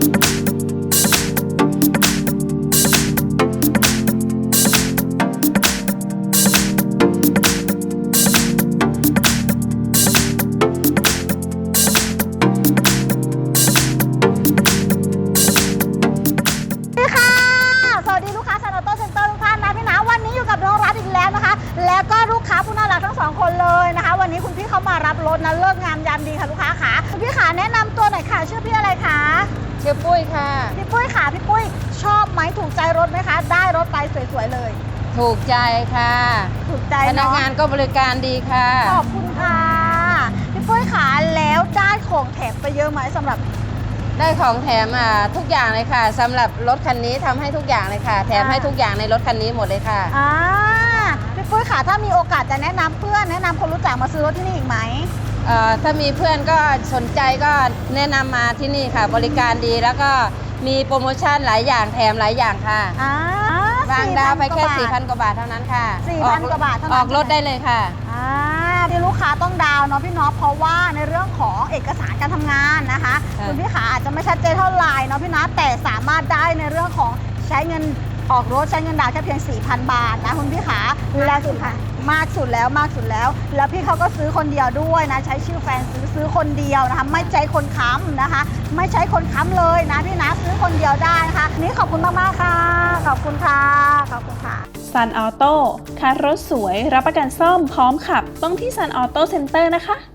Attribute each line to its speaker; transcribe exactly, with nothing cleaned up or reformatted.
Speaker 1: แล้วก็ลูกค้าผู้น่ารักทั้งสองคนเลยนะคะวันนี้คุณพี่เขามารับรถนะเลิกงามยามดีค่ะลูกค้าค่ะคุณพี่ขาแนะนำตัวหน่อยค่ะชื่อพี่อะไรคะ
Speaker 2: ชื่อปุ้ยค่ะ
Speaker 1: พี่ปุ้ยค่ะพี่ปุ้ยชอบไหมถูกใจรถไหมคะได้รถไปสวยๆเลย
Speaker 2: ถูกใจค่ะ
Speaker 1: ถูกใจ
Speaker 2: พนักงานก็บริการดีค่ะ
Speaker 1: ขอบคุณค่ะพี่ปุ้ยขาแล้วได้ของแถมไปเยอะไหมสำหรับ
Speaker 2: ได้ของแถมอ่ะทุกอย่างเลยค่ะสำหรับรถคันนี้ทำให้ทุกอย่างเลยค่ะแถมให้ทุกอย่างในรถคันนี้หมดเลยค่ะ
Speaker 1: อ่าพี่ปุ้ยค่ะถ้ามีโอกาสจะแนะนำเพื่อนแนะนำคนรู้จักมาซื้อรถที่นี่อีกไหม
Speaker 2: เอ่อถ้ามีเพื่อนก็สนใจก็แนะนำมาที่นี่ค่ะบริการดีแล้วก็มีโปรโมชั่นหลายอย่างแถมหลายอย่างค่ะ
Speaker 1: อ่าว
Speaker 2: างดาวไปแค่สี่พันกว่าบาทเท่านั้นค่ะ
Speaker 1: สี่พันกว่าบาทเท่านั้น
Speaker 2: ออกรถได้เลยค่ะ
Speaker 1: อ่าที่ลูกค้าต้องดาวเนาะพี่น็อตเพราะว่าในเรื่องของเอกสารการทำงานนะคะคุณพี่ขาอาจจะไม่ชัดเจนเท่าไหร่เนาะพี่น็อตแต่สามารถได้ในเรื่องของใช้เงินออกรถใช้เงินดาวแค่เพียง สี่พัน บาทนะคุณพี่ขาแล้วสุดค่ะมากสุดแล้วมากสุดแล้วแล้วพี่เขาก็ซื้อคนเดียวด้วยนะใช้ชื่อแฟนซื้อซื้อคนเดียวนะคะไม่ใช้คนค้ำนะคะไม่ใช้คนค้ำเลยนะพี่นะซื้อคนเดียวได้นะคะนี่ขอบคุณมากๆค่ะขอบคุณค่ะขอบคุณค่ะ
Speaker 3: ซันออโต้คันรถสวยรับประกันซ่อมพร้อมขับต้องที่ซันออโต้เซ็นเตอร์นะคะ